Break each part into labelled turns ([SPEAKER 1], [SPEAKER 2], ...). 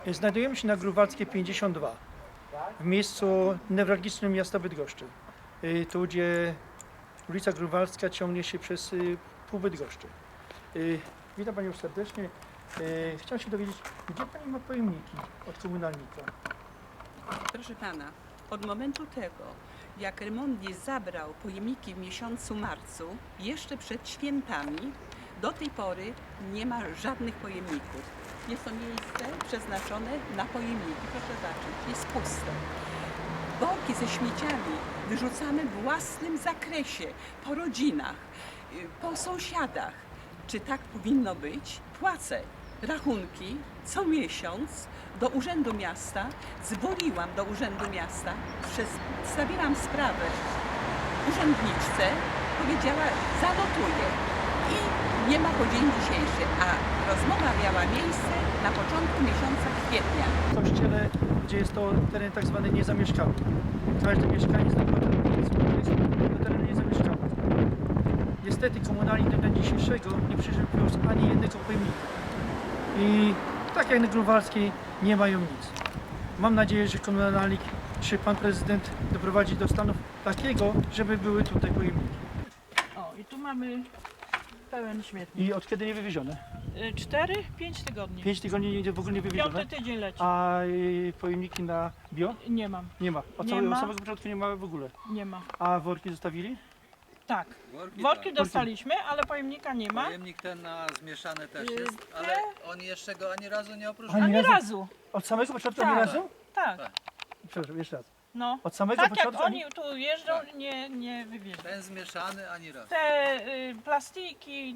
[SPEAKER 1] Znajdujemy się na Grunwaldzkiej 52, w miejscu newralgicznym miasta Bydgoszczy. Tu, gdzie ulica Grunwaldzka ciągnie się przez pół Bydgoszczy. Witam Panią serdecznie. Chciałem się dowiedzieć, gdzie Pani ma pojemniki od komunalnika?
[SPEAKER 2] Proszę Pana, od momentu tego, jak Remondis zabrał pojemniki w miesiącu marcu, jeszcze przed świętami, do tej pory nie ma żadnych pojemników. Jest to miejsce przeznaczone na pojemniki. Proszę zobaczyć, jest puste. Worki ze śmieciami wyrzucamy w własnym zakresie, po rodzinach, po sąsiadach. Czy tak powinno być? Płacę rachunki co miesiąc do Urzędu Miasta, dzwoniłam do Urzędu Miasta, przedstawiłam sprawę urzędniczce, powiedziała zanotuję i nie ma po dzień dzisiejszy, a rozmowa miała miejsce na początku miesiąca kwietnia.
[SPEAKER 1] W kościele, gdzie jest to teren tak zwany niezamieszkały. Każdy mieszkaniec na terenu niezamieszkały. Niestety komunalnik do dnia dzisiejszego nie przywiózł ani jednego pojemnika. I tak jak na Grunwaldzkiej nie mają nic. Mam nadzieję, że komunalnik czy pan prezydent doprowadzi do stanu takiego, żeby były tutaj pojemniki.
[SPEAKER 3] O, i tu mamy pełen śmietnik.
[SPEAKER 1] I od kiedy nie wywiezione?
[SPEAKER 3] 4-5 tygodni.
[SPEAKER 1] 5 tygodni w ogóle nie wywiezione.
[SPEAKER 3] Piąty tydzień leci.
[SPEAKER 1] A pojemniki na bio?
[SPEAKER 3] Nie mam,
[SPEAKER 1] Nie ma. Od
[SPEAKER 3] Nie
[SPEAKER 1] samego,
[SPEAKER 3] ma.
[SPEAKER 1] samego początku nie ma w ogóle.
[SPEAKER 3] nie ma.
[SPEAKER 1] A worki zostawili?
[SPEAKER 3] Tak,
[SPEAKER 4] Worki,
[SPEAKER 3] worki
[SPEAKER 4] tak.
[SPEAKER 3] dostaliśmy, ale pojemnika nie ma.
[SPEAKER 4] Pojemnik ten na zmieszane też
[SPEAKER 3] Y,
[SPEAKER 4] jest,
[SPEAKER 3] te-
[SPEAKER 4] ale oni jeszcze go ani razu nie opróżnili.
[SPEAKER 1] Ani
[SPEAKER 3] Ani
[SPEAKER 1] razu?
[SPEAKER 3] razu.
[SPEAKER 1] Od samego początku
[SPEAKER 3] Tak.
[SPEAKER 1] ani razu?
[SPEAKER 3] Tak,
[SPEAKER 4] Tak.
[SPEAKER 1] Przepraszam, jeszcze raz.
[SPEAKER 3] no.
[SPEAKER 1] Od samego
[SPEAKER 3] Tak jak
[SPEAKER 1] początku
[SPEAKER 3] oni tu jeżdżą,
[SPEAKER 4] Tak.
[SPEAKER 3] nie wywieźli.
[SPEAKER 4] Ten zmieszany ani razu.
[SPEAKER 3] Te plastiki,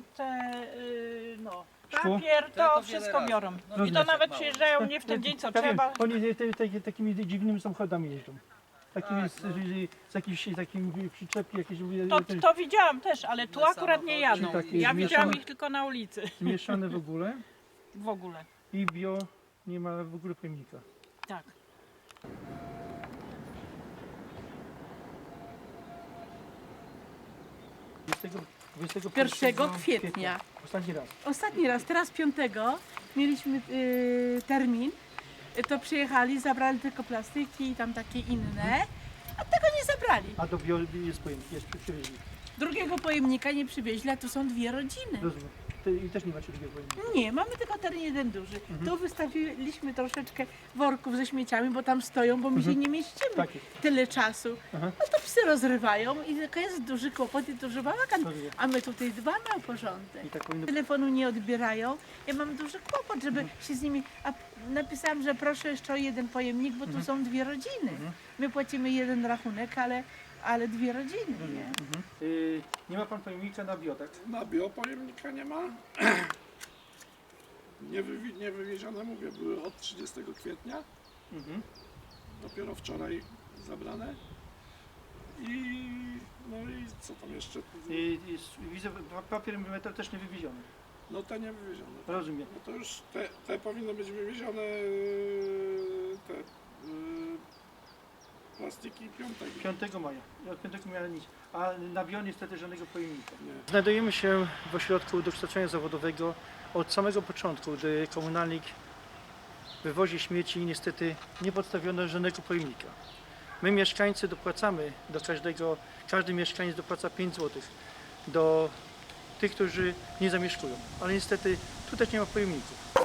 [SPEAKER 3] no,
[SPEAKER 1] Szkło?
[SPEAKER 3] papier,
[SPEAKER 4] To
[SPEAKER 3] to
[SPEAKER 4] wiele
[SPEAKER 3] wszystko
[SPEAKER 4] razy.
[SPEAKER 3] biorą.
[SPEAKER 4] No
[SPEAKER 3] I to
[SPEAKER 4] widać,
[SPEAKER 3] nawet
[SPEAKER 4] jak mało.
[SPEAKER 3] przyjeżdżają nie w ten dzień, co
[SPEAKER 1] Ja wiem,
[SPEAKER 3] trzeba.
[SPEAKER 1] oni takimi dziwnymi samochodami jeżdżą. Takimi
[SPEAKER 4] Tak,
[SPEAKER 1] z jakimiś takimi przyczepki jakieś
[SPEAKER 3] To widziałam też, ale tu
[SPEAKER 4] Inne
[SPEAKER 3] akurat nie jadą.
[SPEAKER 4] samochody
[SPEAKER 1] i
[SPEAKER 3] Ja
[SPEAKER 1] takie
[SPEAKER 3] widziałam
[SPEAKER 1] zmieszane.
[SPEAKER 3] ich tylko na ulicy.
[SPEAKER 1] zmieszane w ogóle
[SPEAKER 3] W ogóle,
[SPEAKER 1] i bio nie ma w ogóle pojemnika.
[SPEAKER 3] tak.
[SPEAKER 1] Dwudziestego
[SPEAKER 5] 1 kwietnia.
[SPEAKER 1] Ostatni raz.
[SPEAKER 5] Ostatni raz, teraz 5 mieliśmy termin, to przyjechali, zabrali tylko plastyki i tam takie inne, a tego nie zabrali.
[SPEAKER 1] A do bio jest pojemnik, jest przywieźli.
[SPEAKER 5] Drugiego pojemnika nie przywieźli, a tu są dwie rodziny.
[SPEAKER 1] Rozumiem. I też nie macie drugiego pojemnika.
[SPEAKER 5] Nie, mamy tylko teren jeden duży. Tu wystawiliśmy troszeczkę worków ze śmieciami, bo tam stoją, bo my się nie mieścimy
[SPEAKER 1] Tak jest.
[SPEAKER 5] tyle czasu.
[SPEAKER 1] Aha.
[SPEAKER 5] No to psy rozrywają i tylko jest duży kłopot i duży bałagan,
[SPEAKER 1] Rozumiem.
[SPEAKER 5] a my tutaj dbamy o porządek.
[SPEAKER 1] I tak powinno
[SPEAKER 5] Telefonu nie odbierają. Ja mam duży kłopot, żeby się z nimi. A napisałam, że proszę jeszcze o jeden pojemnik, bo tu są dwie rodziny. My płacimy jeden rachunek, ale dwie rodziny. Nie?
[SPEAKER 1] nie ma pan pojemnika na bio, tak?
[SPEAKER 6] Na biopojemnika nie ma. Nie wywiezione, mówię, były od 30 kwietnia. Dopiero wczoraj zabrane. No i co tam jeszcze?
[SPEAKER 1] Widzę, papier metal też nie wywieziony.
[SPEAKER 6] No te nie wywiezione.
[SPEAKER 1] Rozumiem.
[SPEAKER 6] No to już te powinny być wywiezione, te plastiki 5.
[SPEAKER 1] 5 maja. Od 5 maja nic. A na bio niestety żadnego pojemnika.
[SPEAKER 6] Nie.
[SPEAKER 1] Znajdujemy się w ośrodku dokształcenia zawodowego. Od samego początku, gdy komunalnik wywozi śmieci, niestety nie podstawiono żadnego pojemnika. My mieszkańcy dopłacamy do każdy mieszkaniec dopłaca 5 zł do tych, którzy nie zamieszkują. Ale niestety tu też nie ma pojemników.